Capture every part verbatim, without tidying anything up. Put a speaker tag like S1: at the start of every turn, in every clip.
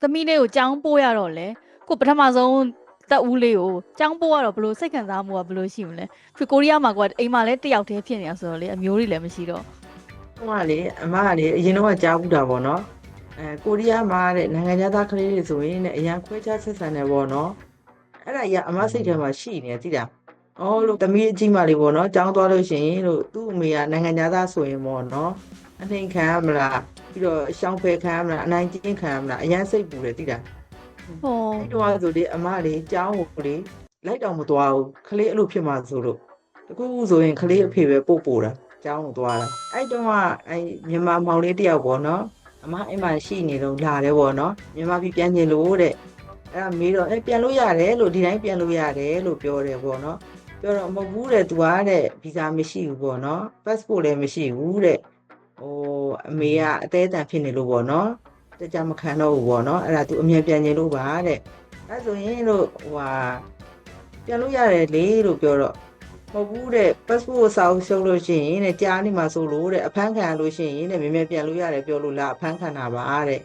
S1: သမီးလေးကိုကြောင်းပို့ရတော့လေကိုပထမဆုံးတက်ဦးလေးကိုကြောင်းပို့ရတော့ဘလို့စိတ်ခံစားမှုကဘလို့ရှိမလဲဖြစ်ကိုရီးယားမှာကအိမ်မှာလည်းတယောက်တည်းဖြစ်နေတာဆိုတော့လေအမျိုးတွေလည်းမရှိတော့
S2: ဟိုကလေအမကလေအရင်တော့ကြားဘူးတာပေါ့နော်အဲကိုရီးယားမှာတဲ့နိုင်ငံသားကလေးတွေဆိုရင်တဲ့အရန်ခွဲခြားဆက်ဆံနေပေါ့နော်အဲ့ဒါကြီးအမစိတ်ထဲမှာရှိနေသိလားအော်လို့တမီးအကြီးမလေးပေါ့နော်ကြောင်းသွားလို့ရှိရင်လို့သူ့အမေကနိုင်ငံသားဆိုရင်ပေါ့နော်အနှိမ်ခံရမလားပြီးတော့ရှောင်းဖယ်ခံရမလားအနိုင်ကျင့်ခံရမလားအရန်စိတ်ပူတယ်သိလား
S1: ဟော
S2: အဲ့တော့ဆိုလေအမလေးကြောင်းကိုလေလိုက်တော့မသွားဘူးခလေးအဲ့လိုဖြစ်မှာဆိုလို့တကူဆိုရင်ခလေးအဖေပဲပို့ပို့တာကျောင်းကိုသွားတာအဲ့တုန်းကအဲ့မြန်မာမောင်လေးတယောက်ပေါ့နော်အမအိမ်မှာရှိနေတော့လာတယ်ပေါ့နော်မြန်မာပြည်ပြန်ကျင်လို့တဲ့အဲ့ဒါမေးတော့အဲ့ပြန်လို့ရတယ်လို့ဒီတိုင်းပြန်လို့ရတယ်လို့ပြောတယ်ပေါ့နော်ပြောတော့မဟုတ်ဘူးတဲ့သူကတဲ့ဗီဇာမရှိဘူးပေါ့နော် passport လည်းမရှိဘူးတဲ့ဟိုအမေကအသေးအတန်ဖြစ်နေလို့ပေါ့နော်တကြမခံတော့ဘူးပေါ့နော်အဲ့ဒါသူအမြဲပြန်ကျင်လို့ပါတဲ့အဲ့ဆိုရင်လို့ဟိုဟာပြန်လို့ရတယ်လေလို့ပြောတော့မဟုတ်ဘူးတဲ့ passport စာအုပ်ရှုပ်လို့ရှိရင်တဲ့ကြားနေမှာဆိုလို့တဲ့အဖမ်းခံလို့ရှိရင်တဲ့မြင်မြင်ပြန်လို့ရတယ်ပြောလို့လားအဖမ်းခံတာပါတဲ့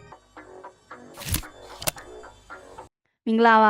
S1: မင်္ဂလာပါ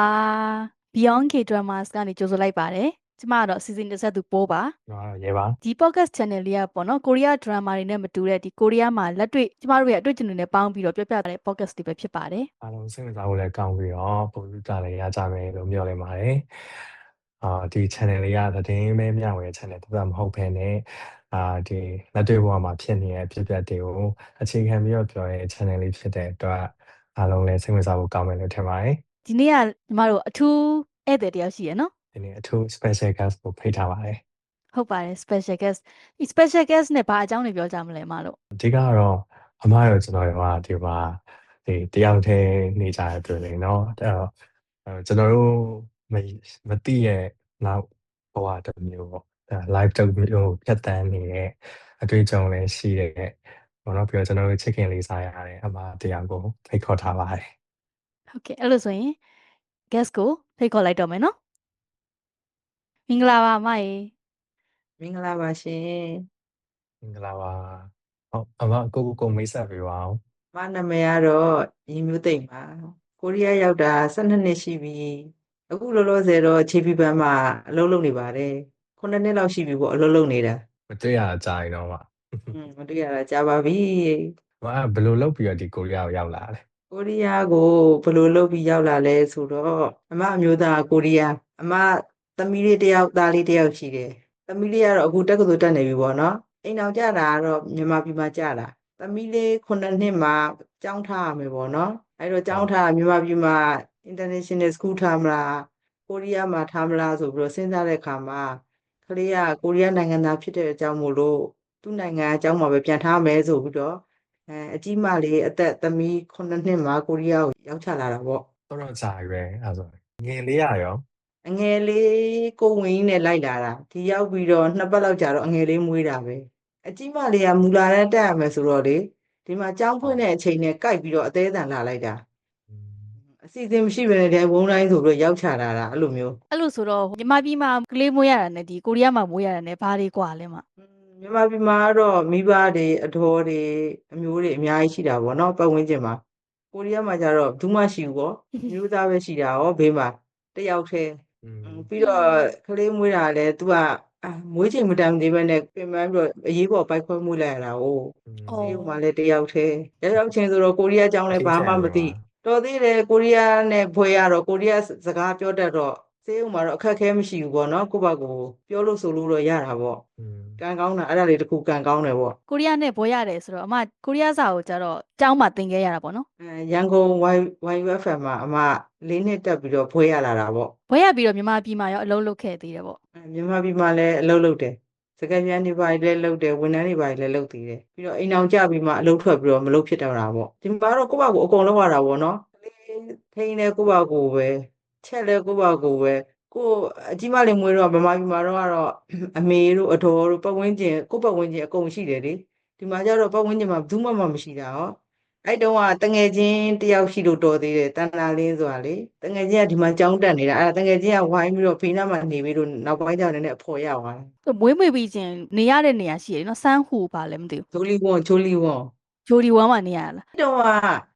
S1: Beyond K Dramas ကနေကြိုဆိုလိုက်ပါတယ်ကျမကတော့ season တစ်ဆက်သူပိုးပါ
S3: ဟုတ်ရဲပါ
S1: ဒီ podcast channel လေးကပေါ့နော်ကိုရီးယား drama တွေနဲ့မတူတဲ့ဒီကိုရီးယားမှာလက်တွေ့ကျမတို့ရဲ့အတွေ့အကြုံတွေနဲ့ပေါင်းပြီးတော့ပြောပြတဲ့ podcast တွေပဲဖြစ်ပါတယ်
S3: အားလုံးစိတ်ဝင်စားဖို့လည်းကောင်းပြီးတော့ပုံစံကြလည်းရကြမယ်လို့မျှော်လင့်ပါတယ်အာဒီ channel လေးကသတင်းပဲမျှဝေ channel တစ်ပတ်မဟုတ်ဘဲနဲ့အာဒီလက်တွေ့ဘဝမှာဖြစ်နေတဲ့အဖြစ်အပျက်တွေကိုအခြေခံပြီးတော့ပြောတဲ့ channel လေးဖြစ်တဲ့အတွက်အားလုံးလည်းစိတ်ဝင်စားဖို့ကောင်းမယ်လို့ထင်ပါတယ်
S1: ဒီနေ့ကကျမတို့အထူးဧည့်သည်တယောက်ရှိရနော်
S3: ဒီနေ့အထူး special guest ကိုဖိတ်ထားပါတယ်
S1: ဟုတ်ပါတယ် special guest ဒီ special guest နဲ့ဘာအကြောင်းတွေပြောကြမလဲမလို့
S3: အဓိကတော့အမရောကျွန်တော်ရောဒီမှာဒီတယောက်တည်းနေကြတဲ့တွေ့လေနော်အဲ့တော့ကျွန်တော်တို့မမသိရဲ့နောက်ဘဝတစ်မျိုးပေါ့ live တစ်မျိုးဖြတ်တန်းနေတဲ့အတွေ့အကြုံလည်းရှိတဲ့ဘောနော်ပြီးတော့ကျွန်တော်တို့ချစ်ခင်လေးစားရတဲ့အမတရားကိုဖိတ်ခေါ်ထားပါတယ်
S1: ဟုတ်ကဲ့အဲ့လိုဆိုရင် guest ကိုဖိတ်ခေါ်လိုက်တော့မယ်နော်မင်္ဂလာပါအမရေ
S2: မင်္ဂလာပါရှင်
S3: မင်္ဂလာပါဟုတ်အမကိုကိုကိုမိတ်ဆက်ပေးပါအောင်
S2: မနာမည်ကတော့ရင်မျိုးသိမ့်ပါကိုရီးယားရောက်တာ၁၂နှစ်ရှိပြီအခုလောလောဆယ်တော့ခြေပြပန်းမှာအလုပ်လုပ်နေပါတယ်ခုနှစ်နှစ်လောက်ရှိပြီပေါ့အလုပ်လုပ်နေတာ
S3: မတွေ့ရကြရင်တော့ပါ
S2: อืมမတွေ့ရတာကြာပါပြီ
S3: မဘယ်လိုလုပ်ပြီးတော့ဒီကိုရီးယားကိုရောက်လာလဲ
S2: ကိုရီးယားကိုဘယ်လိုလုပ်ပြီးရောက်လာလဲဆိုတော့အမအမျိုးသားကိုရီးယားအမသမီးလေးတယောက်သားလေးတယောက်ရှိတယ်သမီးလေးကတော့အခုတက္ကသိုလ်တက်နေပြီပေါ့နော်အိမ်အောင်ကြတာကတော့မြန်မာပြည်မှာကြတာသမီးလေးခုနှစ်နှစ်မှာကျောင်းထားရမယ်ပေါ့နော်အဲ့တော့ကျောင်းထားမြန်မာပြည်မှာ international school ထားမလားကိုရီးယားမှာထားမလားဆိုပြီးတော့စဉ်းစားတဲ့အခါမှာကလေးကကိုရီးယားနိုင်ငံသားဖြစ်တဲ့အကြောင်းမို့လို့သူ့နိုင်ငံအကြောင်းမှာပဲပြန်ထားမယ်ဆိုပြီးတော့အဲအကြီးမလေးအသက်သမီးခုနှစ်နှစ်မှာကိုရီးယားကိုရောက်ချလာတာပေါ့
S3: တော့တော့ကြာရွယ်အဲ့ဆိုငယ်လေးရရော
S2: အငယ်လေးကိုဝင်းနဲ့လိုက်လာတာဒီရောက်ပြီးတော့နှစ်ပတ်လောက်ကြာတော့အငယ်လေးမွေးတာပဲအကြီးမလေးကမူလာတန်းတက်ရမယ်ဆိုတော့လေဒီမှာကျောင်းဖွင့်တဲ့အချိန်နဲ့ကြိုက်ပြီးတော့အသေးအံလာလိုက်တာအစီအစဉ်မရှိဘဲနဲ့ဒီဝုန်းတိုင်းဆိုပြီးတော့ရောက်ချလာတာအဲ့လိုမျိုး
S1: အဲ့လိုဆိုတော့မြန်မာပြည်မှာကလေးမွေးရတာနဲ့ဒီကိုရီးယားမှာမွေးရတာနဲ့ဘာတွေကွာလဲမ
S2: မြန်မာပြည်မှာတော့မိဘတွေအတော်တွေအမျိုးတွေအများကြီးရှိတာပေါ့နော်ပတ်ဝန်းကျင်မှာကိုရီးယားမှာကျတော့ဘူးမှရှိဘူးပေါ့မျိုးသားပဲရှိတာရောဘေးမှာတယောက်တည်းပြီးတော့ကလေးမွေးတာလည်း तू ကမွေးချိန်မတန်သေးပဲနဲ့ပြင်ပန်းပြီးတော့အရေးပေါ်ပိုက်ခွဲမွေးလိုက်ရတာ哦ဒီမှာလည်းတယောက်တည်းရောက်ရောက်ချင်းဆိုတော့ကိုရီးယားကျောင်းလည်းဘာမှမသိတော်သေးတယ်ကိုရီးယားနဲ့ဘွဲရတော့ကိုရီးယားစကားပြောတတ်တော့စေးဥမှာတော့အခက်ခဲမရှိဘူးပေါ့နော်ကိုယ့်ဘက်ကိုပြောလို့ဆိုလို့တော့ရတာပေါ့ကံကောင်းတာအဲ့ဒါလေးတခုကံကောင်းတယ်ပေါ့
S1: ကိုရီးယားနဲ့ဘွဲရတယ်ဆိုတော့အမကိုရီးယားစာကိုကျတော့ကျောင်းမှာသင်ခဲ့ရတာပေါ့နော်
S2: အဲရန်ကုန် Y U F M မှာအမလေးနှစ်တက်ပြီးတော့ဘွဲရလာတာပေါ့
S1: ဘွဲရပြီးတော့မြန်မာပြည်မှာရောအလုပ်လုပ်ခဲ့သေးတယ်ပေါ့
S2: မြန်မာပြည်မှာလည်းအလုပ်လုပ်တယ်စကပြန်တွေပါလည်းလုပ်တယ်ဝန်ထမ်းတွေပါလည်းလုပ်သေးတယ်ပြီးတော့အိမ်အောင်ကြပြီးမှအလုပ်ထွက်ပြီးတော့မလုပ်ဖြစ်တော့တာပေါ့ဒီမှာတော့ကိုယ့်ဘာကိုအကုန်လုပ်ရတာပေါ့နော်ထိန်းတယ်ကိုယ့်ဘာကိုပဲချက်လဲကိုယ့်ဘာကိုပဲကိုအကြီးမလေးမွေးတော့ဗမာပြည်မှာတော့ကတော့အမေတို့အတော်တို့ပတ်ဝန်းကျင်ကိုယ့်ပတ်ဝန်းကျင်အကုန်ရှိတယ်လေဒီမှာကျတော့ပတ်ဝန်းကျင်မှာဘူးမှမရှိတာဟောအဲ့တုန်းကတငယ်ချင်းတယောက်ရှိလို့တော်သေးတယ်တန်တာလင်းဆိုတာလေတငယ်ချင်းကဒီမှာကြောင်းတက်နေတာအဲ့ဒါတငယ်ချင်းကဝိုင်းပြီးတော့ဖေးနားမှာနေပြီးတော့နောက်ပိုင်းကျတော့လည်းအဖော်ရသွားတယ်
S1: မွေးမွေးပြီးချင်းနေရတဲ့နေရာရှိတယ်နော်စမ်းဟူပါလည်းမသိဘူး
S2: ဂျိုလီဝွန်ဂျိုလီဝွန်
S1: ဂျိုလီဝွန်မှာနေရလား
S2: အဲ့တုန်းက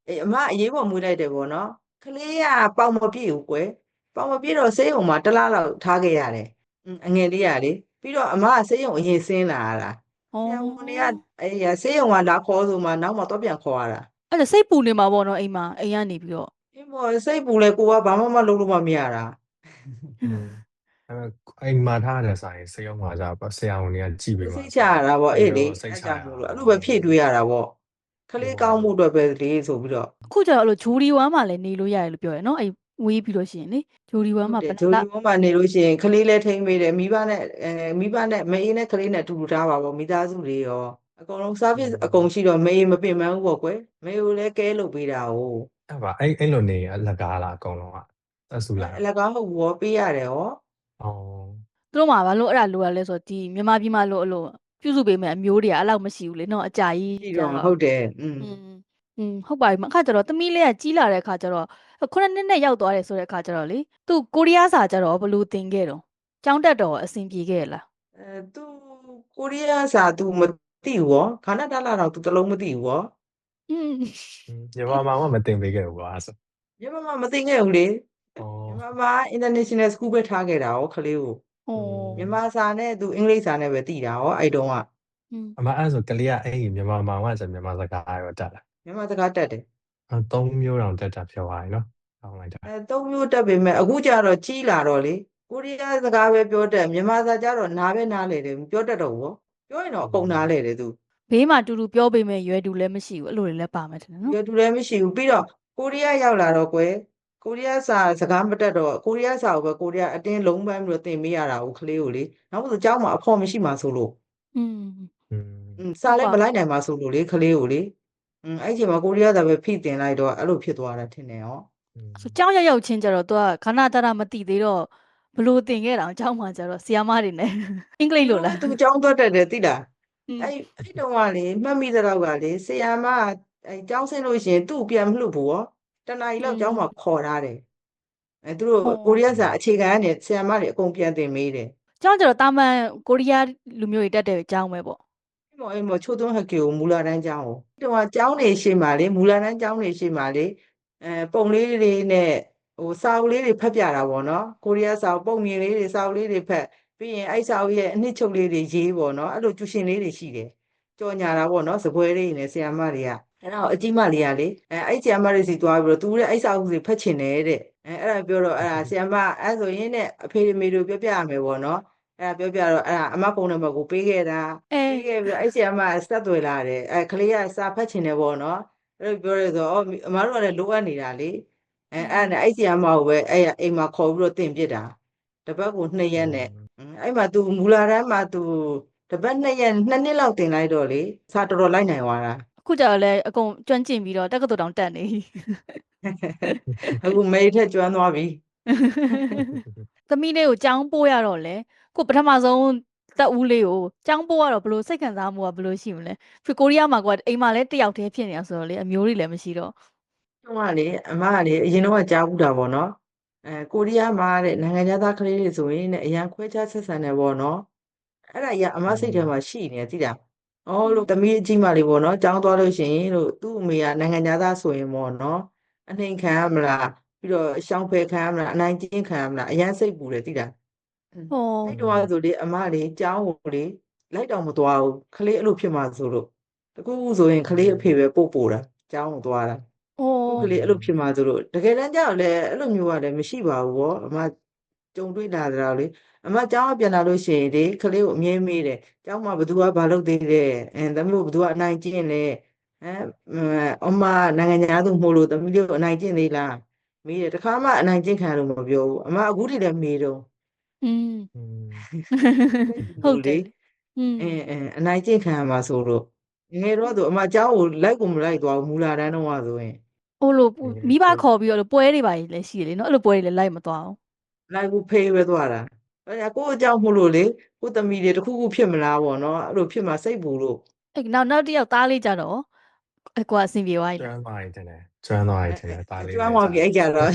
S2: အေးအမအရေးပေါ်မွေးလိုက်တယ်ပေါ့နော်ကလေးကပေါင်မပြည့်ဘူးကွယ်ပေါင်မပြည့်တော့ဆေးရုံမှာတစ်လလောက်ထားခဲ့ရတယ်အငယ်လေးရလေပြီးတော့အမကဆေးရုံအရင်ဆင်းလာရတာဆရာဝန်တွေကအေးဆေးရုံကလာခေါ်ဆိုမှနောက်မှတော့ပြန်ခေါ်ရတာ
S1: အဲ့ဒါစိတ်ပူနေမှာပေါ့နော်အိမ်မှာအိမ်ကနေပြီးတော့
S2: အင်းဘောစိတ်ပူလဲကိုကဘာမှမလုပ်လို့မမရတာ
S3: อืมအဲ့အိမ်မှာထားတဲ့ဆိုင်စေအောင်မှာကြပါဆရာဝန်တွေကကြည့်ပေးပါ
S2: စိတ်ချရတာပေါ့အေးလေ
S3: စိတ်
S2: အဲ့
S3: ချ
S2: ကြော
S3: ရ
S2: င့်
S3: တာ
S2: မို့လို့အဲ့လိုပဲဖြည့်တွေးရတာပေါ့ကလေးကောင်းမှုအတွက်ပဲလေဆိုပြီးတော့
S1: အခုကျတော့အဲ့လိုဂျိုဒီဝမ်မှာလည်းနေလို့ရတယ်လို့ပြောရယ်နော်အဲ့ဝေးပြီးလို့ရှိရင်လေဂျိုဒီဝမ်မှာ
S2: ဟုတ်
S1: ဘ
S2: တ
S1: ယ်
S2: ယ်ဂျို
S1: နှ
S2: ဒီဘုံမှာနေလို့ရှိရင်ကလေးလည်းထိမ့်ပေးတယ်မိဘနဲ့အဲမိဘနဲ့မအေးနဲ့ကလေးနဲ့အတူတူထားပါပေါ့မိသားစုတွေရောအကုန်လုံး service အကုန်ရှိတော့မအေးမပင်ပန်းဘူးပေါ့ကွယ်မအေးကိုလည်းကဲလုပ်ပေးတာ哦
S3: အဲ့ပါအဲ့အဲ့လိုနေအလကားလားအကုန်လုံးကအဆူလာ
S2: အလကားဟုတ်ဘူးရောပေးရတယ်ရော
S3: อ๋อ
S1: သူတို့မှာဘာလို့အဲ့ဒါလိုရလဲဆိုတော့ဒီမြန်မာပြည်မှာလို့အဲ့လိုပြုစုပေးမယ်အမျိုးတွေကအဲ့လောက်မရှိဘူးလေနော်အကြာကြီး
S2: ရှိ
S1: ကြာ
S2: တော့
S1: တော့
S2: ဟုတ်တယ်อืม
S1: อืมอืมဟုတ်ပါပြီအခါကျတော့သမီးလေးကကြီးလာတဲ့အခါကျတော့ခုနှစ်နှစ်နဲ့ရောက်သွားတယ်ဆိုတဲ့အခါကျတော့လေသူကိုရီးယားစာကျတော့ဘယ်လိုသင်ခဲ့တော့ကျောင်းတက်တော့အဆင်ပြေခဲ့လား
S2: အဲသူကိုရီးယားစာသူမသိဘူးရောခါနာတလာတော့သူတလုံးမသိဘူးရော
S1: อืม
S3: မြန်မာမှာမှမတင်ပေးခဲ့ဘူးကွာအဲ့ဆို
S2: မြန်မာမှာမသိခဲ့ဘူးလေ
S3: อ๋อ
S2: မြန်မာမှာ international school ပဲထားခဲ့တာရောခလေးကို
S1: ဩ
S2: မြန်မာစာနဲ့သူအင်္ဂလိပ်စာနဲ့ပဲသိတာရောအဲ့တုန်းက
S1: อืม
S3: အမအဲ့ဆိုကလေးကအဲ့ဒီမြန်မာမှာမှဆိုမြန်မာစကားရောတက်လာ
S2: မြန်မာစကားတက်တယ်
S3: အဲသုံးမျိုးတောင်တက်တာပြောပါရင်နော်ကောင်းလိုက်တာ
S2: အဲသုံးမျိုးတက်ပေမဲ့အခုကျတော့ကြီးလာတော့လေကိုရီးယားစကားပဲပြောတတ်မြန်မာစာကျတော့နားပဲနားလေတယ်မပြောတတ်တော့ဘူးရောပြောရင်တော့အကုန်နားလေတယ်သူ
S1: ဘေးမှာတူတူပြောပေးမယ်ရွယ်တူလည်းမရှိဘူးအဲ့လိုတွေလည်းပါမယ်ထင်တယ်နော်
S2: ရွယ်တူလည်းမရှိဘူးပြီးတော့ကိုရီးယားရောက်လာတော့ကွယ်ကိုရီးယားစာစကားမတက်တော့ကိုရီးယားစာကိုပဲကိုရီးယားအတင်းလုံးပန်းပြီးတော့သင်ပေးရတာကိုကလေးကိုလေနောက်ဆိုကျောင်းမှာအဖော်မရှိမှဆိုလို့
S1: อืม
S3: อืม
S2: อืมစာလည်းမလိုက်နိုင်ပါဆိုလို့လေကလေးကိုလေอืมအဲ့ဒီချိန်မှာကိုရီးယားစာပဲဖိတင်လိုက်တော့အဲ့လိုဖြစ်သွားတာထင်တယ်ဟော
S1: ဆိုကျောင်းရောက်ရောက်ချင်းကျတော့သူကခဏတရမတိသေးတော့ဘလို့သင်ခဲ့တာကျောင်းမှာကျတော့ဆီယာမတွေနဲ့အင်္ဂလိပ်လိုလား
S2: သူကျောင်းသွားတက်တယ်သိလား
S1: อืม
S2: အဲ့အဲ့တုန်းကလေမှတ်မိတဲ့တော့ကလေဆရာမအဲ့ကျောင်းဆင်းလို့ရှိရင်သူ့ကိုပြန်မလှုပ်ဘူးဟောတနားရီလောက်ကျောင်းမှာခေါ်ထားတယ်အဲ့သူတို့ကိုရီးယားစာအခြေခံကနေဆရာမတွေအကုန်ပြန်သင်မေးတယ်
S1: ကျောင်းကျတော့တာမန်ကိုရီးယားလူမျိုးတွေတက်တဲ့ကျောင်းပဲပေါ့
S2: အဲ့မော်အဲ့မော်ချိုးသွန်းဟက်ကေကိုမူလာတန်းကျောင်းကိုတုန်းကကျောင်းနေရှိမှလေမူလာတန်းကျောင်းနေရှိမှလေအဲပုံလေးတွေနဲ့ဟိုစာအုပ်လေးတွေဖတ်ပြတာပေါ့နော်ကိုရီးယားစာအုပ်ပုံမြင်လေးတွေစာအုပ်လေးတွေဖတ်ပြီးရင်အဲ့စာအုပ်ရဲ့အနှစ်ချုပ်လေးတွေရေးပေါ့နော်အဲ့လိုကျူရှင်လေးတွေရှိတယ်ကြော်ညာတာပေါ့နော်စပွဲလေးနဲ့ဆရာမတွေကအဲ့တော့အကြီးမလေးကလေအဲအဲ့ဆရာမတွေစီသွားပြီးတော့သူတဲ့အဲ့စာအုပ်တွေဖတ်ချင်တယ်တဲ့အဲအဲ့ဒါပြောတော့အဲ့ဒါဆရာမအဲ့ဆိုရင်နဲ့အဖေမေတို့ပြောပြရမယ်ပေါ့နော်အဲ့ဒါပြောပြတော့အဲ့ဒါအမဖုန်းနံပါတ်ကိုပေးခဲ့တာ
S1: အဲ
S2: ပြီးခဲ့ပြီးတော့အဲ့ဆရာမဆက်သွယ်လာတယ်အဲကလေးကစာဖတ်ချင်တယ်ပေါ့နော်အဲ့လိုပြောရဲဆိုတော့အမတို့ကလည်းလိုအပ်နေတာလေအဲအဲ့နဲ့အဲ့ဆရာမကိုပဲအဲ့အိမ်မှာခေါ်ပြီးတော့တင်ပြစ်တာတပတ်ကိုနှစ်ရက်နဲ့အဲ့မှာ तू မူလာတန်းမှာ तू တပတ်နှစ်ရက်နှစ်နှစ်လောက်တင်လိုက်တော့လေစာတော်တော်လိုက်နိုင်သွားတာ
S1: အခုကျတော့လည်းအကုန်ကျွမ်းကျင်ပြီးတော့တက္ကသိုလ်တောင်တက်နေ
S2: အခုမေးထက်ကျွမ်းသွားပြီ
S1: သမီးလေးကိုကျောင်းပို့ရတော့လေကိုပထမဆုံးတက်ဦးလေးကိုကျောင်းပို့ရတော့ဘလို့စိတ်ခံစားမှုကဘလို့ရှိမလဲဖြစ်ကိုရီးယားမှာကအိမ်မှာလည်းတယောက်တည်းဖြစ်နေတာဆိုတော့လေအမျိုးတွေလည်းမရှိတော့
S2: တုန်းကလေအမကလေအရင်တော့ကြားဘူးတာပေါ့နော်အဲကိုရီးယားမှာတဲ့နိုင်ငံသားကလေးတွေဆိုရင်တဲ့အရန်ခွဲခြားဆက်ဆံတယ်ပေါ့နော်အဲ့ဒါကြီးကအမစိတ်ထဲမှာရှိနေတယ်သိလားအော်လို့သမီးအကြီးမလေးပေါ့နော်ကျောင်းသွားလို့ရှိရင်လို့သူ့အမေကနိုင်ငံသားဆိုရင်ပေါ့နော်အနှိမ်ခံရမလားပြီးတော့ရှောင်ဖယ်ခံရမလားအနိုင်ကျင့်ခံရမလားအရန်စိတ်ပူတယ်သိလား
S1: ဟော
S2: အဲ့တော့ဆိုလေအမလေးကျောင်းကိုလေလိုက်တော့မသွားဘူးခလေးအဲ့လိုဖြစ်မှာဆိုလို့တကူဆိုရင်ခလေးအဖေပဲပို့ပို့တာကျောင်းကိုသွားတာ
S1: ဟော
S2: သူ့ကလေးအဲ့လိုဖြစ်မှာဆိုလို့တကယ်တမ်းကျတော့လေအဲ့လိုမျိုးကလည်းမရှိပါဘူးဗောအမကြုံတွေ့လာတာလေအမကျောင်းကပြန်လာလို့ရှိရင်လေခလေးကိုအမြဲမေးတယ်ကျောင်းမှာဘသူကဘာလုပ်သေးလဲအဲသမီးတို့ဘသူကအနိုင်ကျင့်လဲဟမ်အမနိုင်ငံသားသူမို့လို့သမီးတို့အနိုင်ကျင့်သေးလားမေးတယ်တခါမှအနိုင်ကျင့်ခံလို့မပြောဘူးအမအခုထိလည်းမေးတော့
S1: อืม
S3: อืม
S1: ဟုတ်တယ်อืม
S2: အင်းအင်းအနိုင်ကျင့်ခံရမှာဆိုလို့ငယ်တော့သူအမเจ้าကိုလိုက်ကိုမလိုက်သွားဘူးမူလာတန်းတော့ဆိုရင်
S1: ဟိုလိုမိဘခေါ်ပြီးတော့ပွဲတွေပါလည်းရှိတယ်လေနော်အဲ့လိုပွဲတွေလည်းလိုက်မသွားအောင်
S2: လိုက်ဘူးဖေးပဲသွားတာအဲ့ဒါကိုယ့်အเจ้าမို့လို့လေကိုယ့်သမီးတွေတစ်ခုခုဖြစ်မလားပေါ့နော်အဲ့လိုဖြစ်မှာစိတ်ပူလို့
S1: အဲ့နောက်နောက်တစ်ယောက်သားလေးကြတော့အကွာအဆင်ပြေသွားပြီ
S3: ကျွမ်းသွားရင်တင်တယ်ကျွမ်းသွားရင်တင်တယ်ဒါလေး
S2: ကျွမ်းသွားပြီအဲ့ကြတော့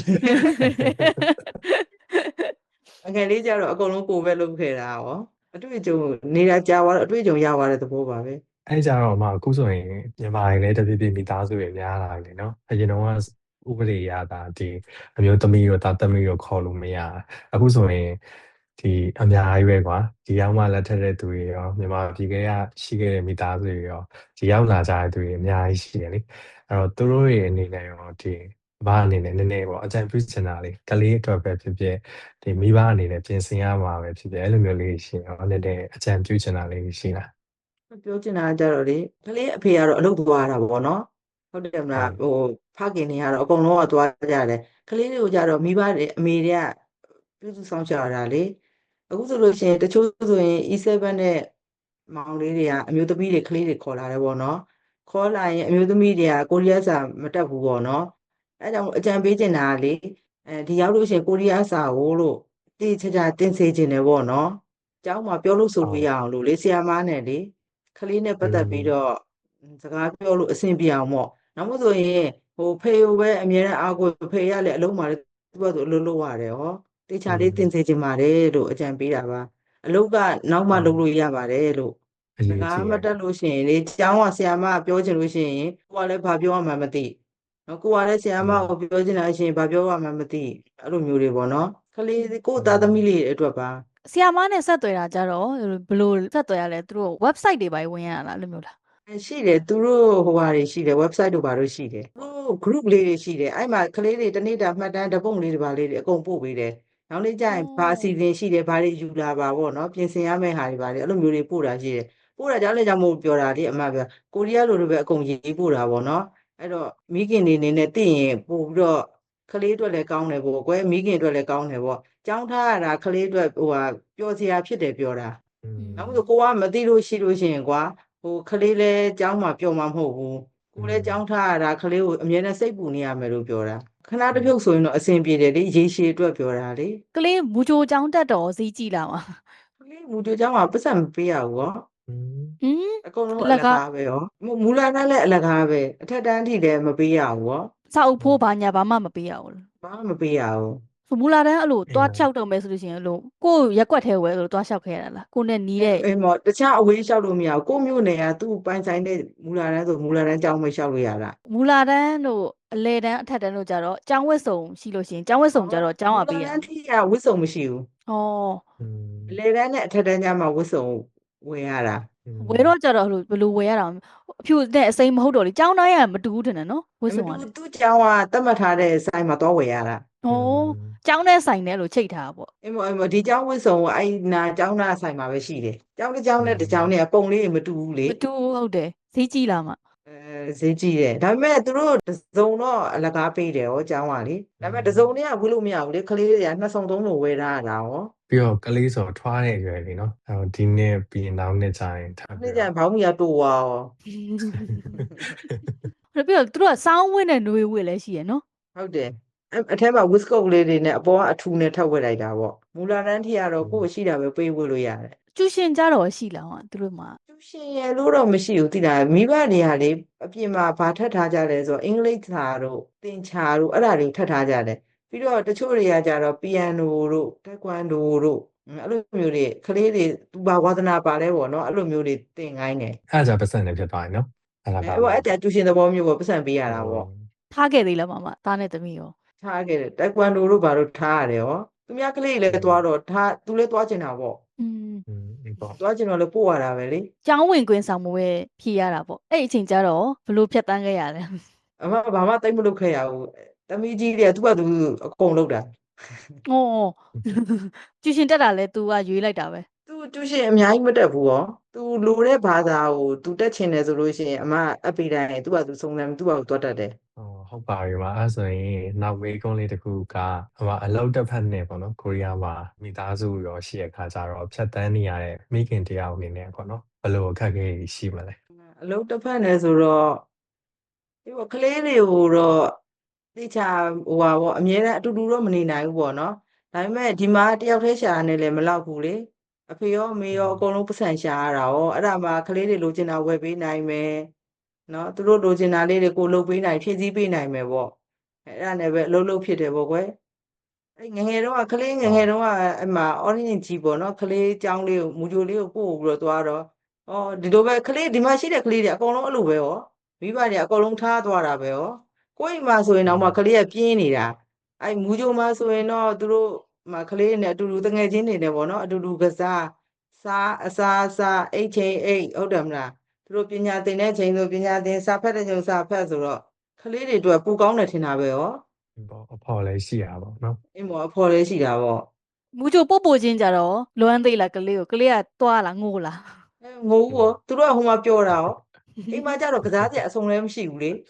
S2: အငယ်လေးကြတော့အကုန်လုံးကိုယ်ပဲလုပ်ခဲ့တာရောအတွေ့အကြုံနေတာကြာသွားတော့အတွေ့အကြုံရသွားတဲ့သဘောပါပဲ
S3: အဲ့ကြတော့မှအခုဆိုရင်မြန်မာတွေလည်းတဖြည်းဖြည်းမိသားစုတွေများလာတယ်နော်အရင်တော့ဥပဒေရတာဒီအမျိုးသမီးတို့သားသမီးတို့ခေါ်လို့မရအခုဆိုရင်ဒီအများကြီးပဲကွာဒီရောက်မှလက်ထက်တဲ့သူတွေရောမြန်မာပြည်ကရှိခဲ့တဲ့မိသားစုတွေရောဒီရောက်လာကြတဲ့သူတွေအများကြီးရှိတယ်လေအဲ့တော့သူတို့ရဲ့အနေနဲ့ရောဒီဘာအနေနဲ့နည်းနည်းပေါ့အကြံပြုချင်တာလေကလေးအတွက်ပဲဖြစ်ဖြစ်ဒီမိဘအနေနဲ့ပြင်ဆင်ရမှာပဲဖြစ်ဖြစ်အဲ့လိုမျိုးလေးရှိရောနည်းနည်းအကြံပြုချင်တာလေးရှိလား
S2: ပြောချင်တာကြတော့လေကလေးအဖေကတော့အလုပ်သွားတာပေါ့နော်ဟုတ်တယ်မလားဟိုဖခင်တွေကတော့အကုန်လုံးကသွားကြတယ်ကလေးတွေကိုကြတော့မိဘတွေအမေတွေကပြုစုဆောင်ရှာတာလေအခုဆိုလို့ရှိရင်တချို့ဆိုရင် E 7 နဲ့မောင်လေးတွေကအမျိုးသမီးတွေကလေးတွေခေါ်လာတယ်ပေါ့နော်ခေါ်လာရင်အမျိုးသမီးတွေကကိုရီးယားစာမတတ်ဘူးပေါ့နော်အဲကြောင့်အကြံပေးချင်တာကလေအဲဒီရောက်လို့ရှိရင်ကိုရီးယားစာကိုလို့တိကျကျတင်စေချင်တယ်ပေါ့နော်ကျောင်းမှာပြောလို့ဆိုလို့ရအောင်လို့လေဆရာမနဲ့လေကလေးနဲ့ပတ်သက်ပြီးတော့စကားပြောလို့အဆင်ပြေအောင်ပေါ့နောက်မှဆိုရင်ဟိုဖေကိုပဲအမြဲတမ်းအားကိုဖေရလေအလုံးမှာလေသူကဆိုအလုပ်လုပ်ရတယ်ဟောတေချာလေးတင်စေချင်ပါတယ်လို့အကြံပေးတာပါအလုပ်ကနောက်မှလုပ်လို့ရပါတယ်လို့စကားမတက်လို့ရှိရင်လေကျောင်းကဆရာမပြောချင်လို့ရှိရင်ကိုကလည်းဘာပြောရမှမသိနော်ကိုကလည်းဆရာမကိုပြောချင်တာရှိရင်ဘာပြောရမှမသိအဲ့လိုမျိုးတွေပေါ့နော်ကလေးကိုသားသမီးလေးအတွက်ပါ
S1: ဆရာမနဲ့ဆက်သွယ်တာကြတော့ဘယ်လိုဆက်သွယ်ရလဲသူတို့ website တွေပါဝင်ရလားလို့မျိုးလား
S2: ရှိတယ်သူတို့ဟိုဟာတွေရှိတယ် website တို့ဘာလို့ရှိတယ်သူတို့ group လေးတွေရှိတယ်အဲ့မှာကလေးတွေတနေ့တာမှတ်တမ်းတပုံလေးတွေပါလေးတွေအကုန်ပို့ပေးတယ်နောက်နေ့ကျရင်ဘာအစီအစဉ်ရှိတယ်ဘာတွေယူလာပါပေါ့နော်ပြင်ဆင်ရမယ့်ဟာတွေပါလေအဲ့လိုမျိုးတွေပို့တာရှိတယ်ပို့တာကြောင့်လည်းကြောင့်မို့ပြောတာလေအမပြောကိုရီးယားလိုလိုပဲအကုန်ရေးပို့တာပေါ့နော်အဲ့တော့မိခင်တွေနေနဲ့သိရင်ပို့ပြီးတော့ကလေးအတွက်လည်းကောင်းတယ်ပေါ့ကွယ်မိခင်အတွက်လည်းကောင်းတယ်ပေါ့ကြောင်းထားရတာကလေးအတွက်ဟိုဟာပျော်စရာဖြစ်တယ်ပြောတာနောက်ဆိုကိုကမသိလို့ရှိလို့ရှိရင်ကွာဟိုကလေးလဲကျောင်းမှာပျော်မှာမဟုတ်ဘူးကိုလဲကျောင်းထားရတာကလေးကိုအမြဲတမ်းစိတ်ပူနေရမယ်လို့ပြောတာခဏတစ်ဖြုတ်ဆိုရင်တော့အဆင်ပြေတယ်လေရေရှည်အတွက်ပြောတာလေ
S1: ကလေးမူဂျိုကျောင်းတက်တော်ဈေးကြည့်လာမှာ
S2: ကလေးမူဂျိုကျောင်းမှာပတ်စံမပေးရဘူးဟော
S1: ဟင်း
S2: အကုန်လုံးအလကားပဲရောမူလာတန်းလည်းအလကားပဲအထက်တန်းထိလည်းမပေးရဘူးဟော
S1: စာအုပ်ဖိုးဘာညာဘာမှမပေးရဘူး
S2: ဘာမှမပေးရဘူး
S1: မူလာတန်းအဲ့လိုတွားလျှောက်တော့မယ်ဆိုလို့ရှိရင်အဲ့လိုကိုရက်ွက်ထဲဝဲအဲ့လိုတွားလျှောက်ခဲ့ရတာလားကိုနဲ့နီးတဲ့
S2: အေးမော်တခြားအဝေးလျှောက်လို့မရဘူးကိုမျိုးနယ်ကသူ့ပိုင်ဆိုင်တဲ့မူလာတန်းဆိုမူလာတန်းကျောင်းမလျှောက်လို့ရတာ
S1: မူလာတန်းတို့အလေတန်းအထက်တန်းတို့ကြတော့ကျောင်းဝတ်စုံရှိလို့ရှိရင်ကျောင်းဝတ်စုံကြတော့ကျောင်းကပေးရ
S2: မူလာတန်းထိကဝတ်စုံမရှိဘူး
S1: ဩ
S2: အလေတန်းနဲ့အထက်တန်းကျမှဝတ်စုံဝယ်ရတာ
S1: ဝယ်တော့ကြတော့ဘယ်လိုဝယ်ရတာအဖြူနဲ့အစိမ်းမဟုတ်တော့လေကျောင်းတိုင်းကမတူဘူးထင်တယ်နော်ဝတ်စုံကလေ
S2: သူ့ကျောင်းကတတ်မှတ်ထားတဲ့ဆိုင်မှာတော့ဝယ်ရတာ
S1: ဩကျောင်းနဲ့ဆိုင်နဲ့လို့ချိတ်ထားပေါ့
S2: အင်းမအင်းမဒီကျောင်းဝတ်စုံကအဲ့နာကျောင်းသားဆိုင်မှာပဲရှိတယ်ကျောင်းတစ်ကျောင်းနဲ့တစ်ကျောင်းနဲ့ပုံလေးမတူဘူးလေ
S1: မတူဟုတ်တယ်ဈေးကြီးလာမှာ
S2: အဲဈေးကြီးတယ်ဒါပေမဲ့သူတို့တစုံတော့အလကားပေးတယ်ဟောကျောင်းကလေဒါပေမဲ့တစုံတွေကဝယ်လို့မရဘူးလေကလေးတွေကနှစ်စုံသုံးစုံဝယ်ထားရတာဟော
S3: ပြီးတော့ကလေးဆိုထွားတဲ့အရွယ်လေးနော်အဲဒီနေ့ပြီးရင်နောက်နေ့ကျရင်ထား
S2: ပြီးတော့ဘောင်းမီရတိုးသွားရော
S1: ပြီးတော့သူတို့ကစောင်းဝင်းနဲ့နှွေးဝင်းလည်းရှိရနော်
S2: ဟုတ်တယ်အထက်မှာဝစ်ကုတ်လေးတွေနဲ့အပေါ်ကအထူနဲ့ထပ်ဝက်လိုက်တာပေါ့မူလာတန်းထိကတော့ကိုယ့်ရှိတာပဲပေးဝက်လို့ရတယ်
S1: ကျူရှင်ကြတော့ရှိလားဟောသူတို့မှာ
S2: ကျူရှင်ရလို့တော့မရှိဘူးသိလားမိဘတွေကလေအပြင်မှာဘာထပ်ထားကြလဲဆိုတော့အင်္ဂလိပ်စာတို့သင်္ချာတို့အဲ့ဒါတွေထပ်ထားကြတယ်ပြီးတော့တချို့တွေကကြတော့ပီယန်နိုတို့တက်ကွန်ဒိုတို့အဲ့လိုမျိုးတွေကလေးတွေသူဘာဝါသနာပါလဲပေါ့နော်အဲ့လိုမျိုးတွေသင်ခိုင်းတယ်
S3: အဲ့ဒါပတ်စံနေဖြစ်သွားရင်နော်
S2: အဲ့ဒါပါအဲ့ဒါကျူရှင်သဘောမျိုးပေါ့ပတ်စံပေးရတာပေါ့
S1: ထားခဲ့သေးလားမမသားနဲ့သမီးရော
S2: ထားခဲ့တယ်တက်ကွန်ဒိုတို့ဘာလို့ထားရတယ်ရောသူများကလေးလည်းသွားတော့ထားသူလည်းသွားကျင်တာပေါ့
S1: อืม
S2: ပေါ့သွားကျင်တော့လည်းပို့ရတာပဲလေ
S1: ကျောင်းဝင်ခွင့်ဆောင်မှုပဲဖြေရတာပေါ့အဲ့အချိန်ကျတော့ဘလို့ဖြတ်တန်းခဲ့ရလဲ
S2: အမဘာမှတိတ်မလုပ်ခဲ့ရဘူးသမီးကြီးတွေကသူ့ဘာသူအကုန်လုပ်တာ
S1: ဩကျူရှင်တက်တာလဲ तू ကရွေးလိုက်တာပဲ
S2: तू ကျူရှင်အများကြီးမတက်ဘူးရော तू လိုတဲ့ဘာသာကို तू တက်ချင်တယ်ဆိုလို့ရှိရင်အမအပိတိုင်းသူ့ဘာသူစုံစမ်းသူ့ဘာသူသွားတက်တယ်
S3: ဟောဟုတ်ပါပြီပါအဲ့ဆိုရင်နောက်မေးခွန်းလေးတစ်ခုကအမအလောက်တစ်ဖက်နဲ့ပေါ့နော်ကိုရီးယားမှာမိသားစုရောရှိတဲ့ခါကျတော့ဖြတ်တန်းနေရတဲ့မိခင်တယောက်အနေနဲ့ပေါ့နော်ဘယ်လိုအခက်အခဲရှိမလဲ
S2: အလောက်တစ်ဖက်နဲ့ဆိုတော့ဒီကလေးတွေကိုတော့တိကျဟိုပါပေါ့အများနဲ့အတူတူတော့မနေနိုင်ဘူးပေါ့နော်ဒါပေမဲ့ဒီမှာတယောက်တည်းရှာနေလည်းမလောက်ဘူးလေအဖေရောအမေရောအကုန်လုံးပတ်စံရှာရတာရောအဲ့ဒါမှကလေးတွေလိုချင်တာဝယ်ပေးနိုင်မယ်နော်သူတို့လိုချင်တာလေးတွေကိုလုပ်ပေးနိုင်ဖြည့်ဆည်းပေးနိုင်မယ်ပေါ့အဲ့ဒါနဲ့ပဲအလုပ်လုပ်ဖြစ်တယ်ပေါ့ကွယ်အဲ့ငငယ်တော့ကလေးငငယ်တော့ကအမှ orange ကြီးပေါ့နော်ကလေးចောင်းလေးကိုမူဂျိုလေးကိုပို့ပြီးတော့သွားတော့အော်ဒီလိုပဲကလေးဒီမှာရှိတဲ့ကလေးတွေအကုန်လုံးအဲ့လိုပဲရောမိဘတွေအကုန်လုံးထားသွားတာပဲရောကိုယ့်အိမ်မှာဆိုရင်တော့မှကလေးကပြင်းနေတာအဲ့မူကြိုမှာဆိုရင်တော့သူတို့မှကလေးနဲ့အတူတူတငယ်ချင်းတွေနဲ့ပေါ့နော်အတူတူကစားစားအစားအစားအိတ်ချင်းအိတ်ဟုတ်တယ်မလားသူတို့ပညာသင်တဲ့ချိန်ဆိုပညာသင်စာဖတ်တဲ့ချိန်စာဖတ်ဆိုတော့ကလေးတွေအတွက်ပူကောင်းတယ်ထင်တာပဲရော
S3: ပေါ့အဖော်လည်းရှိရပါတော့နော်
S2: အင်းမော်အဖော်လေးရှိတာပေါ့
S1: မူချိုပို့ပို့ချင်းကြတော့လွမ်းသေးလားကလေးကိုကလေးကတွားလားငိုလား
S2: အဲငိုးဘောသူတို့ကဟိုမှာပြောတာရောအိမ်မှာကျတော့ကစားစရာအဆုံးလည်းမရှိဘူးလေ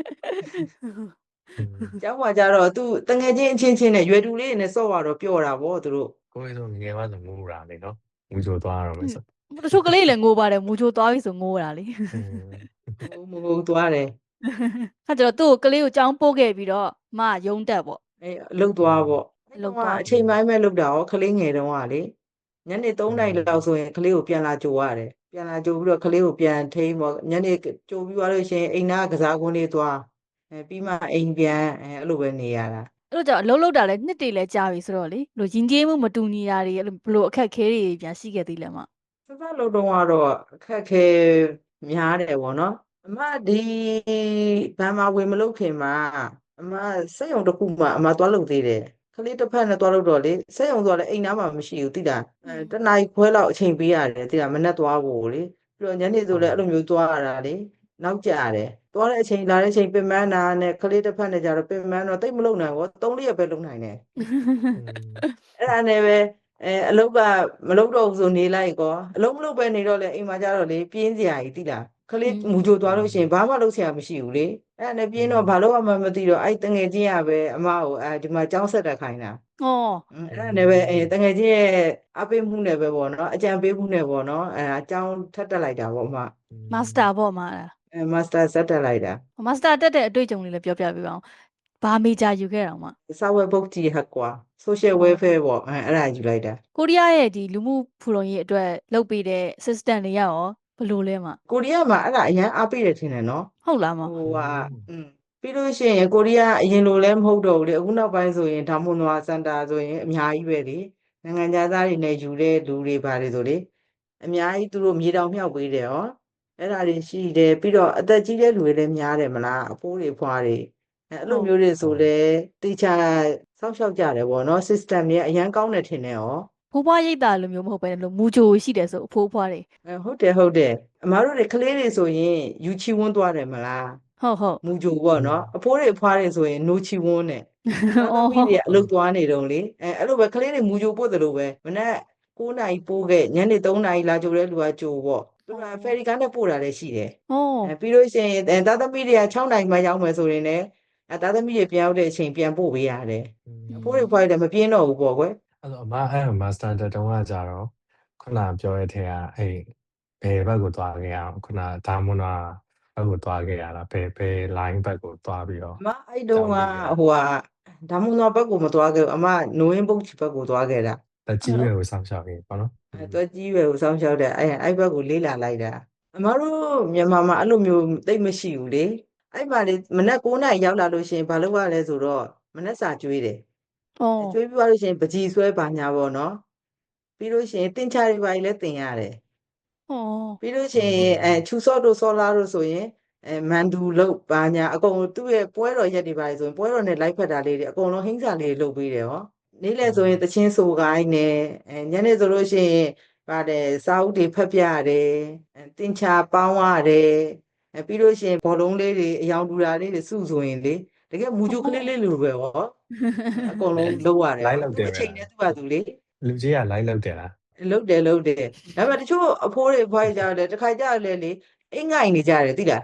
S2: ကျောင်းမှာကျတော့သူတငယ်ချင်းအချင်းချင်းနဲ့ရွယ်တူလေးနဲ့စော့ရတော့ပြောတာပေါ့သူတို့
S3: ကိုယ်ဆိုငယ်မှဆိုငိုတာလေနော်ငူချိုသွားရမယ်ဆို
S1: တချို့ကလေးလည်းငိုပါတယ်မူချိုသွားပြီဆိုငိုတာလေ
S2: မဟုတ်သွားတယ်
S1: အဲ့ကျတော့သူ့ကိုကလေးကိုကြောင်းပို့ခဲ့ပြီးတော့မယုံတက်ပေါ့
S2: အဲလှုပ်သွားပေါ့
S1: လှုပ်
S2: အဲ့
S1: သွား
S2: တော့အချိန်ပိုင်းပဲလှုပ်တာရောကလေးငယ်တုန်းကလေညနေသုံးနာရီလောက်ဆိုရင်ကလေးကိုပြန်လာကြိုရတယ်ပြန်လာကြိုပြီးတော့ကလေးကိုပြန်ထိန်းပေါ့ညနေကြိုပြီးသွားလို့ရှိရင်အိမ်သားကစားကွင်းလေးသွားအဲပြီးမှအိမ်ပြန်အဲအဲ့လိုပဲနေရတာ
S1: အဲ့လိုကြောင့်အလုံးလုံးတာလည်းနှစ်တည်းလဲကြာပြီဆိုတော့လေလို့ရင်ကျေးမှုမတူညီတာတွေအဲ့လိုဘလို့အခက်ခဲတွေပြန်ရှိခဲ့သေးလဲမ
S2: စစလုံးတုံးကတော့အခက်ခဲများတယ်ပေါ့နော်အမဒီဘာမှဝင်မလုပ်ခင်မှာအမစက်ရုံတစ်ခုမှအမသွားလုပ်သေးတယ်ကလေးတစ်ဖက်နဲ့သွားလုပ်တော့လေစက်ရုံဆိုတော့လေအိမ်သားမှမရှိဘူးတိတာအဲတနားခွဲလောက်အချိန်ပေးရတယ်တိတာမနဲ့သွားဖို့လေပြီးတော့ညနေဆိုလည်းအဲ့လိုမျိုးသွားရတာလေနောက်ကျတယ်သွားတဲ့အချိန်လာတဲ့အချိန်ပင်မနာနဲ့ကလေးတစ်ဖက်နဲ့ကြတော့ပင်မတော့တိတ်မလုံနိုင်ဘူးသုံးလေးရက်ပဲလုံနိုင်တယ်အဲ့ဒါနဲ့ပဲအဲအလုပ်ကမလုပ်တော့ဘူးဆိုနေလိုက်ကောအလုပ်မလုပ်ပဲနေတော့လေအိမ်မှာကြတော့လေပြင်းစရာကြီးတိလားကလေးမူကြိုသွားလို့ရှိရင်ဘာမှလုပ်စရာမရှိဘူးလေအဲ့ဒါနဲ့ပြင်းတော့ဘာလို့မှမသိတော့အဲ့တငယ်ချင်းရပဲအမကိုအဲဒီမှာကြောင်းဆက်တက်ခိုင်းတာ
S1: ဩ
S2: အဲ့ဒါနဲ့ပဲအဲတငယ်ချင်းရဲ့အပေးမှုနဲ့ပဲပေါ့နော်အကြံပေးမှုနဲ့ပေါ့နော်အဲအကြောင်းထပ်တက်လိုက်တာပေါ့အမ
S1: မစတာပေါ့မလား
S2: အဲမာစတာဆက်တက်လိုက်တာ
S1: မစတာတက်တဲ့အတွေ့အကြုံလေးလည်းပြောပြပေးပါအောင်ဘာမေဂျာယူခဲ့တာမ
S2: စာဝဲဘုတ်ကြီးဟက်ကွာ social welfare ပေါ့အဲအဲ့ဒါယူလိုက်တာ
S1: ကိုရီးယားရဲ့ဒီလူမှုဖူလုံရေးအတွက်လုပ်ပေးတဲ့ assistant တွေရရောဘယ်လိုလဲမ
S2: ကိုရီးယားမှာအဲ့ဒါအရန်အားပေးတယ်ထင်တယ်နော်
S1: ဟုတ်လားမ
S2: ဟိုဟာอืมပြီးလို့ရှိရင်ကိုရီးယားအရင်လိုလည်းမဟုတ်တော့ဘူးလေအခုနောက်ပိုင်းဆိုရင်ဒါမွန်နွာစင်တာဆိုရင်အများကြီးပဲလေနိုင်ငံသားတွေနဲ့ယူတဲ့လူတွေပါတယ်ဆိုလေအများကြီးသူတို့မြေတောင်မြောက်ပေးတယ်ဟောအဲ့ဒါတွေရှိတယ်ပြီးတော့အသက်ကြီးတဲ့လူတွေလည်းများတယ်မလားအဖိုးတွေဖွားတွေအဲ့လိုမျိုးတွေဆိုလေတေချာစောင့်ရှောက်ကြတယ်ပေါ့နော် system တွေအရန်ကောင်းတယ်ထင်တယ်ဟော
S1: ဖိုးဖွားရိတ်တာလိုမျိုးမဟုတ်ပဲလို့မူဂျိုရှိတယ်ဆိုအဖိုးဖွားတွေ
S2: အဲဟုတ်တယ်ဟုတ်တယ်အမားတို့တွေကလေးတွေဆိုရင်ယူချီဝန်းသွားတယ်မလား
S1: ဟုတ်ဟုတ်
S2: မူကြိုပေါ့နော်အဖိုးတွေအဖွားတွေဆိုရင်နိုချီဝန်းနဲ့သားသမီးတွေအလုပ်သွားနေတုံးလေအဲအဲ့လိုပဲကလေးတွေမူကြိုပို့တယ်လို့ပဲမနေ့ကိုးနာရီပို့ခဲ့ညနေသုံးနာရီလာကြိုတဲ့လူကကြိုပေါ့သူကဖယ်ရီကားနဲ့ပို့တာလည်းရှိတယ်
S1: ဟော
S2: အဲပြီးလို့ရှိရင်အဲသားသမီးတွေက၆နာရီမှရောက်မယ်ဆိုရင်လည်းအဲသားသမီးတွေပြန်ရောက်တဲ့အချိန်ပြန်ပို့ပေးရတယ်အဖိုးတွေအဖွားတွေလည်းမပြင်းတော့ဘူးပေါ့ကွယ်
S3: အဲ့တော့အမအဲ့မာစတာတက်တုံးကကြတော့ခုနပြောရတဲ့ထဲကအဲ့ဘယ်ဘက်ကိုသွားခဲ့ရအောင်ခုနဒါမွန်နာဘက်ကိုသွားခဲ့ရလားဘယ်ဘယ် line ဘက်ကိုသွားပြီးတော့
S2: အမအဲ့တုန်းကဟိုဟာဒါမှမဟုတ်ဘက်ကိုမသွားခဲ့ဘူးအမနိုဝင်ဘုတ်ချီဘက်ကိုသွားခဲ့တာ
S3: တက်ကြီးရွယ်ကိုစောင့်ရှောက်ရေးပေါ့နော်
S2: အဲတွက်ကြီးပဲကိုစောင်းရှောက်တဲ့အဲအဲ့ဘက်ကိုလေးလာလိုက်တာအမတို့မြန်မာမှာအဲ့လိုမျိုးသိပ်မရှိဘူးလေအဲ့မှာလေမနက်9နာရီရောက်လာလို့ရှိရင်ဘာလုပ်ရလဲဆိုတော့မနက်စာကျွေးတယ်
S1: ဟော
S2: ကျွေးပြီးသွားလို့ရှိရင်ပကြီးဆွဲပါညာပေါ့နော်ပြီးလို့ရှိရင်တင်ချာတွေပါလည်းတင်ရတယ်
S1: ဟော
S2: ပြီးလို့ရှိရင်အဲချူစော့တို့စောလာတို့ဆိုရင်အဲမန်ဒူလုတ်ပါညာအကုန်သူ့ရဲ့ပွဲတော်ရက်တွေပါဆိုရင်ပွဲတော်နဲ့လိုက်ဖက်တာလေးတွေအကုန်လုံးဟင်းစာလေးတွေလုပ်ပေးတယ်ဟောနေ့လည်ဆိုရင်တချင်းဆိုကိုင်းနဲ့အဲညနေဆိုလို့ရှိရင်ပါတယ်စာအုပ်တွေဖတ်ပြရတယ်အဲတင်ချာပေါင်းရတယ်အဲပြီးလို့ရှိရင်ဘောလုံးလေးတွေအယောင်တူတာလေးတွေစုဆိုရင်လေတကယ်မူဂျိုကလေးလေးလိုပဲဟောအကုန်လုံးလုပ်ရတယ်
S3: လိုက်လောက်တယ်
S2: အချိန်နဲ့သူ့ဟာသူလေ
S3: လူကြီးကလိုက်လောက်တယ်လား
S2: လုတ်တယ်လုတ်တယ်ဒါပေမဲ့တချို့အဖိုးတွေဖွားကြတယ်တခါကြလဲလေအိမ်ငိုင်နေကြတယ်သိလား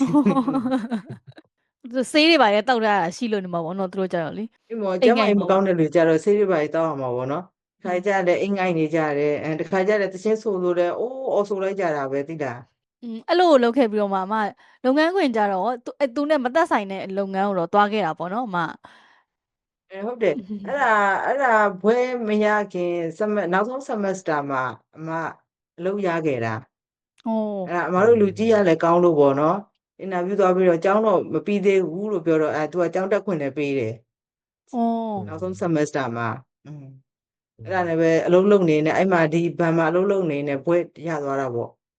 S1: သူဆေးတွေပါလေတောက်ထားတာရှိလို့နေမှာပေါ့နော်သူတို့ကြတော့လေ
S2: ဒီမောကျမကြီးမကောင်းတဲ့လူကြတော့ဆေးတွေပါတောက်အောင်ပါဗောနော်တခါကြလဲအိမ်ငိုင်နေကြတယ်အဲတခါကြလဲတချင်းဆိုဆိုလဲအိုးအော်ဆိုလိုက်ကြတာပဲသိလား
S1: อืมအဲ့လိုလုပ်ခဲ့ပြီးတော့မှအမလုပ်ငန်းခွင်ကြတော့သူအဲ့သူနဲ့မသက်ဆိုင်တဲ့လုပ်ငန်းကိုတော့တွားခဲ့တာပေါ့နော်အမ
S2: အဲဟုတ်တယ်အဲ့ဒါအဲ့ဒါဘွဲမရခင်စမနောက်ဆုံး semester မှာအမအလုပ်ရခဲ့တာ
S1: ဟော
S2: အဲ့ဒါအမတို့လူကြီးရလဲကောင်းလို့ဗောနော်အင်တာဗျူးသွားပြီးတော့ကျောင်းတော့မပြီးသေးဘူးလို့ပြောတော့အဲ तू ကကျောင်းတက်ခွင့်လည်းပေးတယ်
S1: ဟော
S2: နောက်ဆုံး semester မှာอืมအဲ့ဒါလည်းပဲအလုံးလုံးနေနဲ့အဲ့မှာဒီဘန်မှာအလုံးလုံးနေနဲ့ဘွဲရသွားတာပေါ့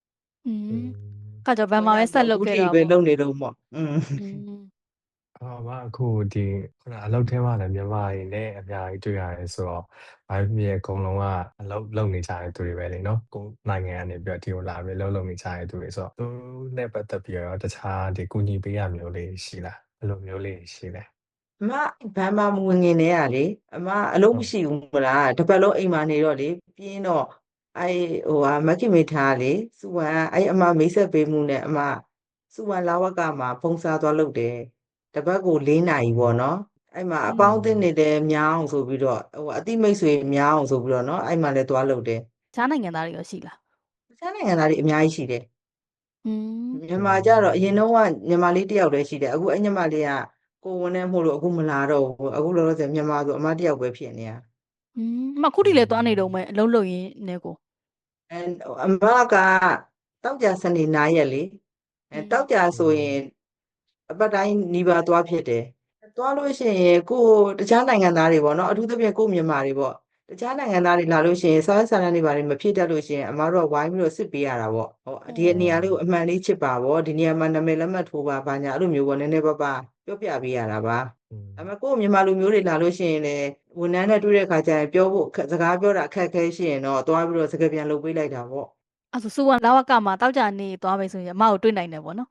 S1: อืม
S3: อืม
S1: ကကြောင့်ဘန်မှာပဲဆက်လုပ်ခဲ့
S2: အခု
S1: တာ
S2: ထိပဲ
S1: ပေါ့
S2: လုပ်နေတော့ပေါ့อืม
S1: อืม
S3: အော်အမအခုဒီခုနအလုပ်ထဲမှာလည်းမြန်မာတွေနဲ့အများကြီးတွေ့ရတယ်ဆိုတော့ဘာဖြစ်ဖြစ်အကုန်လုံးကအလုပ်လုပ်နေကြတဲ့သူတွေပဲလေနော်ကိုယ်နိုင်ငံကနေပြီးတော့ဒီကိုလာပြီးအလုပ်လုပ်နေကြတဲ့သူတွေဆိုတော့သူနဲ့ပတ်သက်ပြီးတော့တခြားဒီကူညီပေးရမျိုးလေးရှိလားဘယ်လိုမျိုးလေးရှိလဲ
S2: အမဘန်မှာမဝင်ငင်နေရလေအမအလုံး
S3: ဟုတ်
S2: မရှိဘူးမလားတစ်ပတ်လုံးအိမ်မှာနေတော့လေပြင်းတော့အဲဟိုဟာမက်ခင်မေထားလေစုဝမ်းအဲအမမိတ်ဆက်ပေးမှုနဲ့အမစုဝမ်းလာဝကမှာဖုံးစားသွားလုပ်တယ်တစ်ပတ်ကို၄နာရီပေါ့နော်အဲ့မှာအပေါင်းအသင်းတွေလည်းများအောင်ဆိုပြီးတော့ဟိုအတိမိတ်ဆွေများအောင်ဆိုပြီးတော့နော်အဲ့မှာလည်းသွားလုပ်တယ်
S1: တခြားနိုင်ငံသားတွေရောရှိလား
S2: တခြားနိုင်ငံသားတွေအများကြီးရှိတယ်
S1: อืม
S2: မြန်မာကြတော့အရင်တော့ကမြန်မာလေးတယောက်လည်းရှိတယ်အခုအဲ့ညီမလေးကကိုဝန်နဲ့မို့လို့အခုမလာတော့ဘူးအခုလောလောဆယ်မြန်မာဆိုအမတယောက်ပဲဖြစ်နေရ
S1: อืมအမခုထိလည်းသွားနေတော့မယ်အလုံးလုံးရင်းနဲ့ကို
S2: အဲအမကတောက်ကြစနေနားရက်လေအဲတောက်ကြဆိုရင်အပတ်တိုင်းနီးပါးသွားဖြစ်တယ်သွားလို့ရှိရင်ကိုတခြားနိုင်ငံသားတွေပေါ့နော်အထူးသဖြင့်ကိုမြန်မာတွေပေါ့တခြားနိုင်ငံသားတွေလာလို့ရှိရင်စားဆာလန်တွေဘာတွေမဖြစ်တတ်လို့ရှိရင်အမတို့ကဝိုင်းပြီးတော့စစ်ပေးရတာပေါ့ဟောဒီနေရာလေးကိုအမှန်လေးချစ်ပါပေါ့ဒီနေရာမှာနာမည်လက်မှတ်ထိုးပါဘာညာအဲ့လိုမျိုးပေါ့နည်းနည်းပါးပါပြောပြပေးရတာပါဒါပေမဲ့ကိုမြန်မာလူမျိုးတွေလာလို့ရှိရင်လည်းဝန်ထမ်းနဲ့တွေ့တဲ့ခါကျရင်ပြောဖို့စကားပြောတာအခက်အခဲရှိရင်တော့သွားပြီးတော့စကားပြန်လုပ်ပေးလိုက်တာပေါ့
S1: အဲ့ဆိုစူဝမ်လာဝကမှာတောက်ကြနေသွားမယ်ဆိုရင်အမကိုတွေ့နိုင်တယ်ပေါ့နော်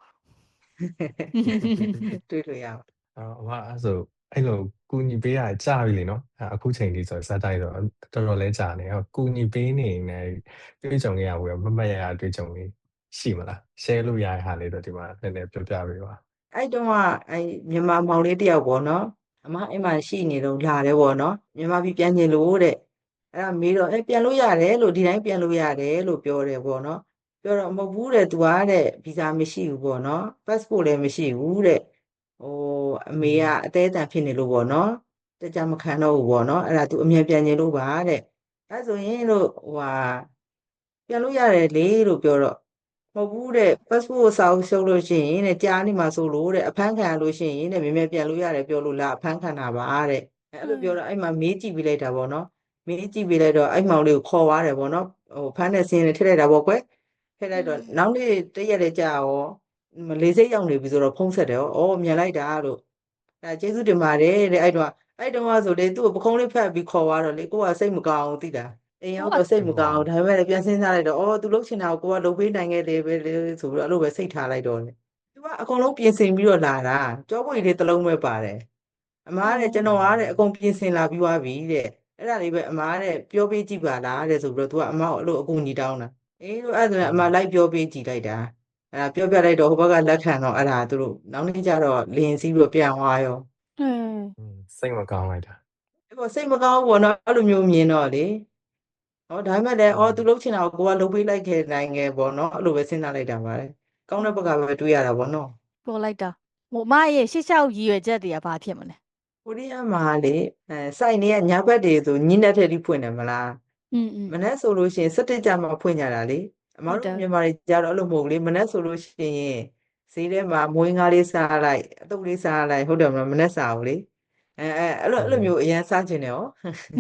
S2: တွေ့လို့ရပါ
S3: အော်အမအဲ့ဆိုအဲ့လိုကူညီပေးရကြာပြီလေနော်အဲ့အခုချိန်ဒီဆိုစက်တိုင်းဆိုတော်တော်လေးကြာနေဟောကူညီပေးနေနေတွေ့ကြုံခဲ့ရဘူးမမတ်ရရတွေ့ကြုံလေးရှိမလား share လို့ရတဲ့ဟာလေးတော့ဒီမှာနည်းနည်းပြောပြပေးပါ
S2: အဲ့တုန်းကအဲ့မြန်မာမောင်လေးတယောက်ပေါ့နော်အမအဲ့မှာရှိနေတော့လာတယ်ပေါ့နော်မြန်မာပြည်ပြန်ကျင်လို့တဲ့အဲ့ဒါမေးတော့အဲ့ပြန်လို့ရတယ်လို့ဒီတိုင်းပြန်လို့ရတယ်လို့ပြောတယ်ပေါ့နော်ပြောတော့မဟုတ်ဘူးတဲ့သူကတဲ့ဗီဇာမရှိဘူးပေါ့နော် passport လည်းမရှိဘူးတဲ့ဟိုအမေကအသေးအတန်ဖြစ်နေလို့ပေါ့နော်တကြမခံတော့ဘူးပေါ့နော်အဲ့ဒါသူအမြန်ပြန်ကျင်လို့ပါတဲ့အဲ့ဆိုရင်လို့ဟိုဟာပြန်လို့ရတယ်လေလို့ပြောတော့ မဟုတ်ဘူးတဲ့ passport စာအုပ်ရှုပ်လို့ရှိရင်တဲ့ကြားနေမှာဆိုလို့တဲ့အဖမ်းခံရလို့ရှိရင်တဲ့မြင်မြင်ပြန်လို့ရတယ်ပြောလို့လားအဖမ်းခံတာပါတဲ့အဲ့လိုပြောတော့အဲ့မှာမေးကြည့်ပြလိုက်တာပေါ့နော်မေးကြည့်ပြလိုက်တော့အဲ့မောင်လေးကိုခေါ်သွားတယ်ပေါ့နော်ဟိုဖမ်းတဲ့စင်းနဲ့ထည့်လိုက်တာပေါ့ကွယ်ထည့်လိုက်တော့နောက်နေ့တရက်လေးကြာရောလေးစိတ်ရောက်နေပြီဆိုတော့ဖုံးဆက်တယ်ဩမြန်လိုက်တာလို့အဲကျေးဇူးတင်ပါတယ်တဲ့အဲ့တော့အဲ့တုန်းကဆိုလေသူ့ကိုပခုံးလေးဖက်ပြီးခေါ်သွားတော့လေကိုကစိတ်မကောင်းဘူးသိတာ အိမ်ရောက်တော့စိတ်မကောင်းဘူးဒါပေမဲ့လည်းပြန်စဉ်းစားလိုက်တော့အော်သူလှုပ်ချင်တာကိုကိုကလှုပ်ပေးနိုင်ခဲ့တယ်ပဲလေဆိုပြီးတော့အဲ့လိုပဲစိတ်ထားလိုက်တော့လေသူကအကုန်လုံးပြင်ဆင်ပြီးတော့လာတာကြောပွေလေးတစ်လုံးပဲပါတယ်အမားတဲ့ကျွန်တော်အားတဲ့အကုန်ပြင်ဆင်လာပြီးသွားပြီတဲ့အဲ့ဒါလေးပဲအမားတဲ့ပြောပေးကြည့်ပါလားတဲ့ဆိုပြီးတော့သူကအမားကိုအဲ့လိုအကူညီတောင်းတာအေးလို့အဲ့ဒါဆိုရင်အမားလိုက်ပြောပေးကြည့်လိုက်တာအဲ့ဒါပြောပြလိုက်တော့ဟိုဘက်ကလက်ခံတော့အဲ့ဒါသူတို့နောက်နေ့ကျတော့လင်းစီးပြီးတော့ပြန်သွားရော
S1: ဟဲ့
S3: စိတ်မကောင်းလိုက်တာ
S2: အဲ့ပေါ်စိတ်မကောင်းဘူးပေါ့နော်အဲ့လိုမျိုးမြင်တော့လေဟောဒါပေမဲ့လည်းအော်သူလှုပ်ချင်တာကိုကိုကလှုပ်ပေးလိုက်ခဲ့နိုင်ငယ်ပေါ့နော်အဲ့လိုပဲစဉ်းစားလိုက်တာပါလေကောင်းတဲ့ဘက်ကပဲတွေးရတာပေါ့နော်
S1: ပေါ်လိုက်တာဟိုအမရဲ့ရှစ်ချောက်ရည်ရွယ်ချက်တွေကဘာဖြစ်မလဲ
S2: ကိုရီးယားမှာလေအဲစိုက်နေရညဘက်တွေဆိုညင်းတဲ့ထက်ထိဖွင့်တယ်မလား
S1: อืมอืม
S2: မနေ့ဆိုလို့ရှိရင်စက်တစ်ကြမှာဖွင့်ကြတာလေအမတို့မြန်မာတွေကြတော့အဲ့လိုမဟုတ်ဘူးလေမနေ့ဆိုလို့ရှိရင်ဈေးထဲမှာမွေးငါးလေးစားလိုက်အတုပ်လေးစားလိုက်ဟုတ်တယ်မလားမနေ့စားဘူးလေအဲအဲအဲ့လိုအဲ့လိုမျိုးအရင်စားခြင်းတယ်ဟော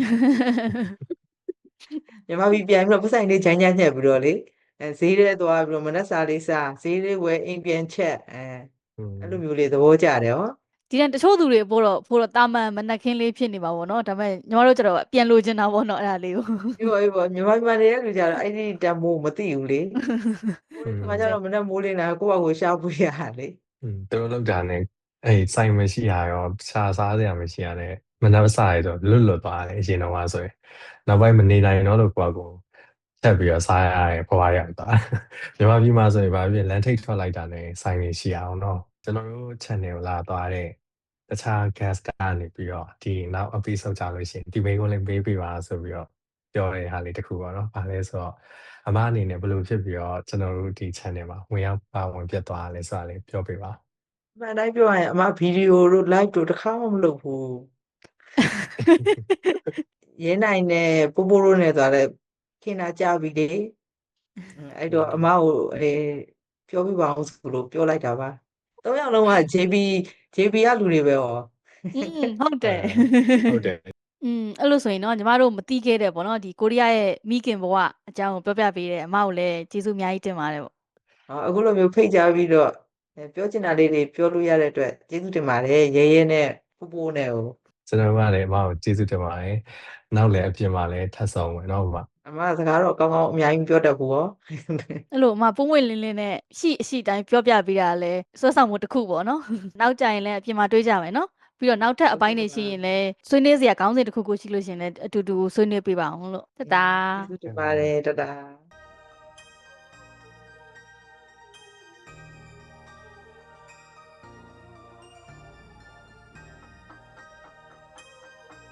S2: မြန်မာပြည်ပြန်ပြီးတော့ပတ်ဆိုင်လေးဂျမ်းဂျမ်းညက်ပြီးတော့လေအဲဈေးထဲသွားပြီးတော့မနက်စာလေးစားဈေးလေးဝယ်အိမ်ပြန်ချက်အဲအဲ့လိုမျိုးလေးသဘောကျတယ်ဟော
S1: ဒီတန်တချို့သူတွေပို့တော့ပို့တော့တာမန်မနက်ခင်းလေးဖြစ်နေပါဘောเนาะဒါပေမဲ့ညီမတို့ကျတော့ပြန်လိုချင်တာပေါ့เนาะအဲ့ဒါလေးကို
S2: အေးပေါ့အေးပေါ့မြန်မာပြည်မှာနေတဲ့လူကြတော့အဲ့ဒီတန်မိုးမသိဘူးလေကိုယ်ကကြတော့မနက်မိုးလင်းလာကိုယ့်ဘာကိုရှာဖွေရတာလေ
S3: อืมသူတို့လောက်တာနဲ့အဲ့စိုင်မရှိရရောခြာစားစရာမရှိရတဲ့မနှက်စားရတော့လွတ်လွတ်သွားတယ်အရင်တော့ဆိုရင်နောက်ပိုင်းမနေနိုင်တော့လို့ကိုကကိုချက်ပြီးတော့စားရရဲဘွားရောက်သွားမြန်မာပြည်မှာဆိုရင်ဗာပြလန်ထိတ်ထွက်လိုက်တာနဲ့စိုင်နေရှိအောင်တော့ကျွန်တော်တို့ channel ကိုလာသွားတဲ့တခြား guest ကနေပြီးတော့ဒီနောက် episode ကြလို့ရှိရင်ဒီမိန်းကိုလည်းပေးပေးပါဆိုပြီးတော့ပြောတဲ့ဟာလေးတစ်ခုပေါ့နော်။ဘာလဲဆိုတော့အမအနေနဲ့ဘယ်လိုဖြစ်ပြီးတော့ကျွန်တော်တို့ဒီ channel မှာဝင်ရောက်ပါဝင်ပြတ်သွားလဲဆိုတာလေးပြောပေးပါ
S2: အမှန်တိုင်းပြောရရင်အမဗီဒီယိုတို့ live တို့တစ်ခါမှမလုပ်ဘူးရင်းနိုင်နဲ့ပိုးပိုးတို့နဲ့ဆိုတော့ခင်တာကြပြီလေအဲ့တော့အမကိုအဲပြောပြပါအောင်ဆိုလို့ပြောလိုက်တာပါသုံးယောက်လုံးက ဂျေ ဘီ ဂျေ ဘီ ကလူတွေပဲဟော
S1: อืมဟုတ်တယ်
S3: ဟုတ်တယ်
S1: อืมအဲ့လိုဆိုရင်เนาะညီမတို့မတီးခဲ့တဲ့ပေါ့เนาะဒီကိုရီးယားရဲ့မိခင်ဘဝအကြောင်းကိုပြောပြပေးတယ်အမကိုလည်းကျေးဇူးအများကြီးတင်ပါတယ်ပေါ့
S2: အခုလိုမျိုးဖိတ်ကြားပြီးတော့ပြောချင်တာလေးတွေပြောလို့ရတဲ့အတွက်ကျေးဇူးတင်ပါတယ်ရဲရဲနဲ့ပို့ပို့နဲ့ကို
S3: ကျွန်တော်ကလည်းအမကိုကျေးဇူးတင်ပါတယ်နောက်လည်းအပြင်မှာလည်းထပ်ဆောင်မယ်နော်အမ
S2: အမစကားတော့ကောင်းကောင်းအများကြီးပြောတတ်ဘူးရော
S1: အဲ့လိုအမပုံမွင့်လင်းလင်းနဲ့ရှိအရှိတိုင်းပြောပြပေးတာလဲစွဲဆောင်မှုတစ်ခုပေါ့နော်နောက်ကြရင်လည်းအပြင်မှာတွေးကြမယ်နော်ပြီးတော့နောက်ထပ်အပိုင်းတွေရှိရင်လည်းဆွေးနွေးစရာကောင်းစဉ်တစ်ခုခုရှိလို့ရှိရင်လည်းအတူတူဆွေးနွေးပေးပါအောင်လို့တတာ
S2: ကျေးဇူးတင်ပါတယ်တတာ